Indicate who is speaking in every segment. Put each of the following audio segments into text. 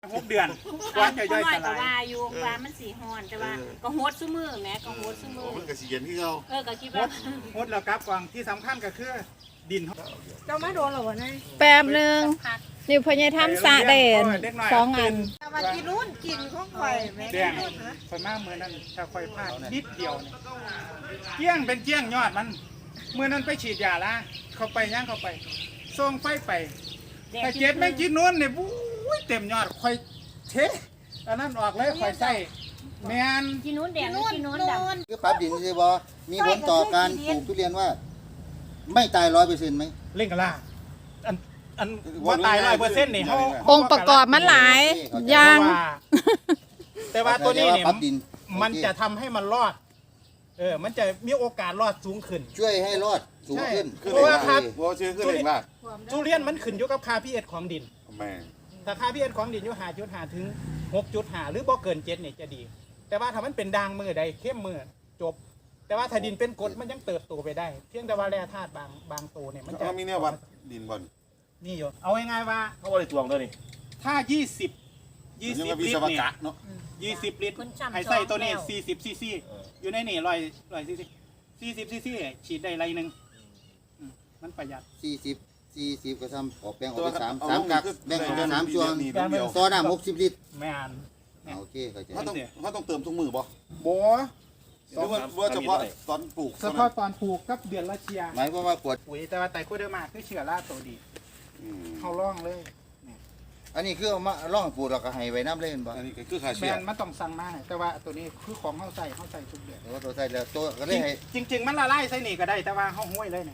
Speaker 1: 6 เดือนกว่าจะย่อยส
Speaker 2: ก็
Speaker 1: ลาย
Speaker 2: ว่าอยู่ว่ามันสีฮ้อนแต่ว่าก็โฮดซุมือแม่ก็โฮดซุมือ
Speaker 3: มันก็สิเย็นที่เขา
Speaker 2: ก็คิดว่า
Speaker 1: หดแล้วครับกวางที่สำคัญก็คือดิน
Speaker 4: เจ้ามาโดนหรอวะนาย
Speaker 5: แป๊บนึงนี่พญาทำสะเด่น2 อัน
Speaker 4: มากินรุ่นกินของข่อยแม่
Speaker 1: แดงค่อยมาเมื่อนั้นถ้าค่อยพลาดนิดเดียวเนี่ยเกี้ยงเป็นเกี้ยงยอดมันเมื่อนั้นไปฉีดยาละเข้าไปย่างเข้าไปส่งไฟไปแต่เจ็ดแม่งกินนู้นเนี่ยบุ้ยเต็มยอดค่อยเทอันนั้นออกเลยค่อยใส่แมน
Speaker 2: กินนู้นแดงกินนู้นดำ
Speaker 6: คือปรับดินสิบ่มีผลต่อการปลูกทุเรียนว่า ไม่ตาย100%ไหม
Speaker 1: เล่นกันล่ะอันว่าตาย100%นี่เขา
Speaker 5: องค์ประกอบมันหลายอย่าง
Speaker 1: แต่ว่าตัวนี้เนี่ย
Speaker 6: ปรับดิน
Speaker 1: มันจะทำให้มันรอดมันจะมีโอกาสรอดสูงขึ้น
Speaker 6: ช่วยให้รอดสูงขึ้น
Speaker 3: คือเลยครับเพราะชื่อคือเลยมาก
Speaker 1: ทุเรียนมันขึ้นอยู่กับค่า pH ของดิน
Speaker 3: แม่
Speaker 1: ถ้าค่า pH ของดินอยู่5.5 ถึง 6.5 หรือบ่เกิน7เนี่ยจะดี แต่ว่าถ้ามันเป็นด่างมือใดเข้มมือจบ แต่ว่าถ้าดินเป็นกรดมันยังเติบโตไปได้ เพียงแต่ว่าแร่ธาตุบางตัวเนี่ยมันจะ
Speaker 3: เขามีเนี่ยวัดดินบน
Speaker 1: นี่อยู่เอาง่ายๆว่า
Speaker 7: เขาบริตวงด้วยนี่
Speaker 1: ถ้า20
Speaker 3: ยัง
Speaker 1: ลิ
Speaker 3: มี
Speaker 1: ต
Speaker 3: ส
Speaker 1: ร
Speaker 3: ม
Speaker 1: เนี่ย
Speaker 3: กะเนาะ
Speaker 1: 20 ลิตรให้ใส่ตัวนี้40 ซีซี อยู่ในนี่100 ซีซี40 ซีซีฉีดได้ไรหนึ่งมันประหยัด
Speaker 6: 40ก็ทำออกแปลงออกไป3กักแบ่งออกเป็น3ช่วง
Speaker 3: นี่เดียว
Speaker 6: ต่อน้ำ60 ลิตร
Speaker 1: ไม่อ่าน
Speaker 6: โอเคเข้าใจ
Speaker 3: เขาต้องเติมทุกมือบ่
Speaker 1: โบ
Speaker 3: หรือว่าเฉพาะตอนปลูก
Speaker 1: เฉพาะตอนปลูกกับเดือนละเชีย
Speaker 6: หมายความว่าขวด
Speaker 1: ปุ๋ยแต่ว่าไตรโคเดอร์มาคือเชื้อราตัวดีเขาล่องเลย
Speaker 6: อันนี้คือเอามาล่องปลูกแล้วก็ให้ไว้น้ำเล่นบ่
Speaker 3: อันนี้คือขา
Speaker 1: แม
Speaker 3: เชื้อน
Speaker 1: มันต้องสั่งมาให้แต่ว่าตัวนี้คือของเขาใส่ทุกเดือน
Speaker 6: แต่ว่าตัวใส่แล้วตัวก็เลยให้
Speaker 1: จริงๆมันละลายใส่นี่ก็ได้แต่ว่าเขาห้วยเลยเนี่ย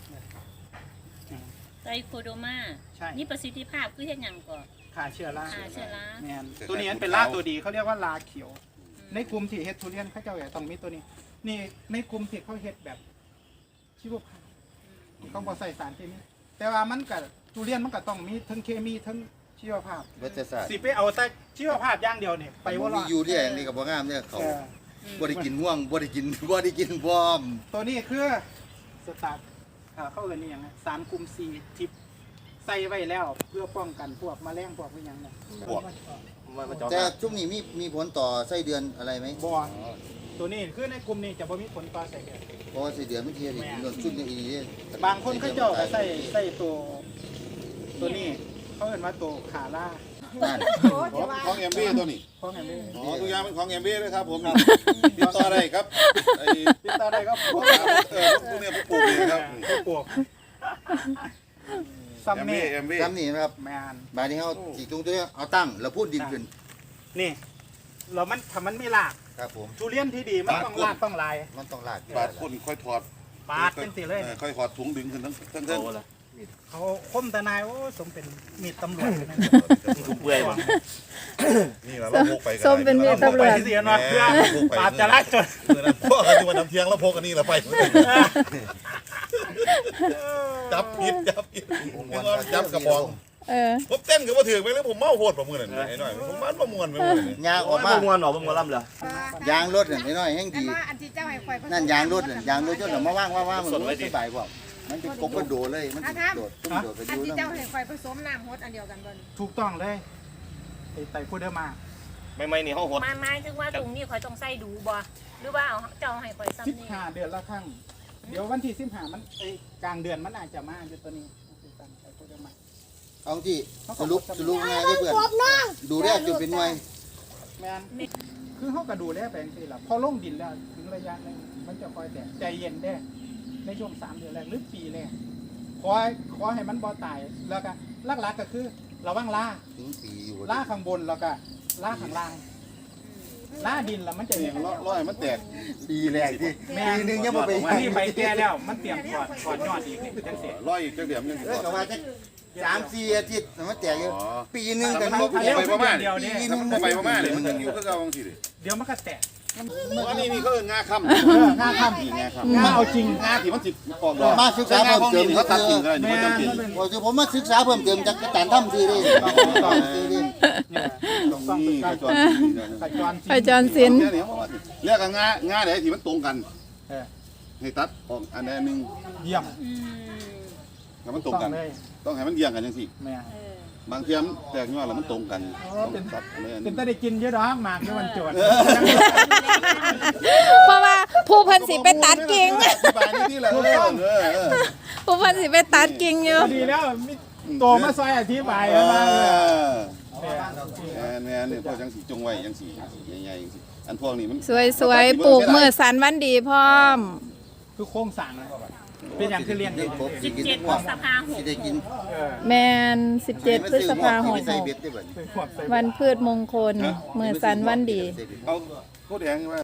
Speaker 2: ไตรโคโดมา
Speaker 1: ใช่
Speaker 2: นี่ประสิทธิภาพคือเฮ็ดหยังก่อน
Speaker 1: ขาเชื้อรา
Speaker 2: ฆ่าเชื้อรา
Speaker 1: แมนตัวนี้มันเป็นลาตัวดีเขาเรียกว่าลาเขียว ในกลุ่มที่เฮ็ดทุเรียนเขาเจ้าอย่าต้องมีตัวนี้ นี่ในกลุ่มที่เขาเฮ็ดแบบชีวภาพต้องบ่ใส่สารเคมีแต่ว่ามันกับทุเรียนมันก็ต้องมีทั้งเคมีทั้งชีวภาพ
Speaker 6: วัชศาสตร์
Speaker 1: สิไปเอาแต่ชีวภาพอย่างเดียวเนี่ยไปว่า
Speaker 6: มียูเรียอย่างนี้ก็บ่งามเนี่ยเขา
Speaker 1: เออ
Speaker 6: บ่ได้กินม่วงบ่ได้กินพร้อม
Speaker 1: ตัวนี้คือสตาร์ทเข้ากันนี่ยังไงสารกลุ่มซีทิปใส่ไว้แล้วเพื่อป้องกันพวกแมลงพวกพวกอย่างนั้น
Speaker 7: มันจอด
Speaker 6: แต่ช่วงนี้มีผลต่อไส้เดือนอะไรไหม
Speaker 1: บอตัวนี้คือในกลุ่มนี้จะบ่มีผลต่อใส่เดือน
Speaker 6: เพราะว่าไส้เดือนมันเทียนนนชุดนี้อีนี่
Speaker 1: บางคนเขาเจ้าก็ใส่ตัวนี้เขาเห็นว่าตัวขาล่า
Speaker 6: นั่น
Speaker 3: ของเอ็มบีตัวนี้
Speaker 1: เพราะไงไม่
Speaker 3: อ๋อทุกอย่างเป็นของเอ็มบีเลยครับผมติดต่อได้ครับไอ้
Speaker 1: ติดต่อได้ก็
Speaker 3: พ
Speaker 1: พ
Speaker 3: ว
Speaker 1: ว
Speaker 3: ก
Speaker 1: ก
Speaker 3: พวกเนี่ยพวกปลูกเองครับ
Speaker 1: ปวกซัม
Speaker 3: เอ็ม
Speaker 1: เน่
Speaker 3: บีเอ็มบี
Speaker 6: ซ้ำนี่นะครับ
Speaker 1: แมน
Speaker 6: บาดนี้เขาสีตรงตัวนี้เอาตั้งแล้วพูดดินขึ้น
Speaker 1: นี่เรามันทำมันไม่ลาก
Speaker 6: ครับผม
Speaker 1: ทุเรียนที่ดีมันต้องลากต้องลาย
Speaker 6: มันต้องลาก
Speaker 3: บาดคนค่อยถอด
Speaker 1: ปาดเป็นสิเลย
Speaker 3: ค่อยถอดถุงดึงขึ้นทั้ง
Speaker 7: โตละ
Speaker 1: เขาคมตะนายโอ้สมเป็นมีดตำรวจเลยนะ
Speaker 7: ทุกเปื่อยว่ะ
Speaker 3: นี่เราพกไป
Speaker 5: ส้มเป็นมีดตำรวจ
Speaker 1: ไปเสียนอดเพื่อปราบจราจร
Speaker 3: พวกกันที่วันน้ำเที่ยงแล้วพกอันนี้เราไปจับผิดจับกระบอง ผมเต้นกับว่าถือไปแล้วผมเมาโหดประมือนั่นไอ้หน่อยผมมันประมวลไปหมดเลย
Speaker 6: ยางออก
Speaker 7: มา
Speaker 6: มา
Speaker 7: มวนออกมวนล่ำเหรอย
Speaker 6: างรถน่ะน้อยๆแห้งดี
Speaker 4: ว่าอันที่เจ้าให้ข่อย
Speaker 6: นั่นยางรถน่ะยางรถจนเรามาว่างมันสบายกว่ามันเป็นกบกระโดดเลยมันโดดตุ้มโดดกระ
Speaker 4: อัน
Speaker 6: ยู
Speaker 4: ที่
Speaker 6: นั่
Speaker 4: เจ้าน ให้ข่อยผสมน้ำฮดอันเดียวกันบ่
Speaker 1: ถูกต้องเลยไอ้ไตพูดได้มา
Speaker 7: ไม่นี่เขาหด
Speaker 2: หมายถึงว่าตรงนี้ข่อยต้องใส่ดูบ่หรือว่าเอาเจ้าให้ข่อยซ้ำนี่
Speaker 1: 15 เดือนละครั้งเดี๋ยววันที่15มันไอ้กลางเดือนมันอาจจะมาอยู่ตัวนี้ไตพูดได้มา
Speaker 6: เอาที่สรุปง่ายได้เพื่อนดูแรกจนเป็นหน่วย
Speaker 1: แมนคือเขาก็ดูแลไปสิล่ะพอลงดินแล้วถึงระยะนึงมันจะคอยแต่ใจเย็นได้ในช่วง3 เดือนแรกหรือปีแรกขอให้มันบ่ตายแล้วก็หลักๆก็คือระวังล่า
Speaker 6: ถึงปีอยู่
Speaker 1: ล่าข้างบนแล้วก็ล่าข้างล่างล่าดินแล้วมันจะ
Speaker 3: เนี่ยร้อยมันแตก
Speaker 6: ปีแรกที่ปีนึงยังไม่ไป
Speaker 1: อันนี้ใบแก่แล้วมันเตรียมถอดยอดอีกนี่จังเสีย
Speaker 3: ร้อยอีกจังเดียวมันยัง
Speaker 6: ก็ว่าจะ3-4 อาทิตย์มันแตกอยู่ปีนึงกัน
Speaker 3: มัน
Speaker 6: มุก
Speaker 3: ไปประมาณ
Speaker 1: เดียวนี่
Speaker 3: ไปประมาณเลยมันยังอยู่ก็เอาบางทีเลย
Speaker 1: เดี๋ยวมันก็แตก
Speaker 3: อันนี้เขาเอิ้นงาค่ำ
Speaker 1: งาค่ำ
Speaker 3: งาค่
Speaker 1: งาเอาจริง
Speaker 3: ำงาที่มันติดออกดอก
Speaker 6: มาศึกษาเพิ่มเติม
Speaker 3: เขาตัดกิ่งอะไรนี่
Speaker 1: แม่
Speaker 3: มันจำเป็น
Speaker 6: พอผมมาศึกษาเพิ่มเติมจากการทำซีรีส์
Speaker 3: ตรงนี้กระจร
Speaker 1: ขจร
Speaker 5: ไปจอนสิน
Speaker 3: เรียกงาไหนที่มันตรงกันให้ตัดออกอันใดนึง
Speaker 1: เยี่ยม
Speaker 3: ให้มันตรงกัน
Speaker 1: เลย
Speaker 3: ต้องให้มันเยี่ยงกันจังสิ
Speaker 1: แม่
Speaker 2: เออ
Speaker 3: บางเทียมแตกยอดแล้วมันตรงกันต้องตัดเลยอัน
Speaker 1: เป็
Speaker 3: นี้
Speaker 1: นตาได้กินเยอะดอกหมากในวันโจทย์
Speaker 5: เพราะว่าผู้เพิ่นสิไปตัดกิ่ง
Speaker 3: อธิบายนี่ที่ละ
Speaker 5: ผู้เพิ่นสิไปตัดกิ่งอยู่
Speaker 1: ดีแล้วมีโตมาซอยอธิบายมาเลย
Speaker 3: นี่พวกจังสีจงไว้จังสีใหญ่ๆจังสีอันพวกนี้มัน
Speaker 5: สวยๆปลูกมือสันวันดีพร้อม
Speaker 1: คือโค้งสั่งนะเป็นอย่างคือเลี้ยง
Speaker 6: เลี้ยงกบสิกิน
Speaker 2: 17
Speaker 6: พวก
Speaker 2: พฤษภาค
Speaker 6: สิได้กิน
Speaker 5: แมน17 พฤษภาคม
Speaker 6: ใส่เบ็ดได้เบิด
Speaker 5: วันพืชมงคลมือสันวันดี
Speaker 3: เอาโคตรแดงว่า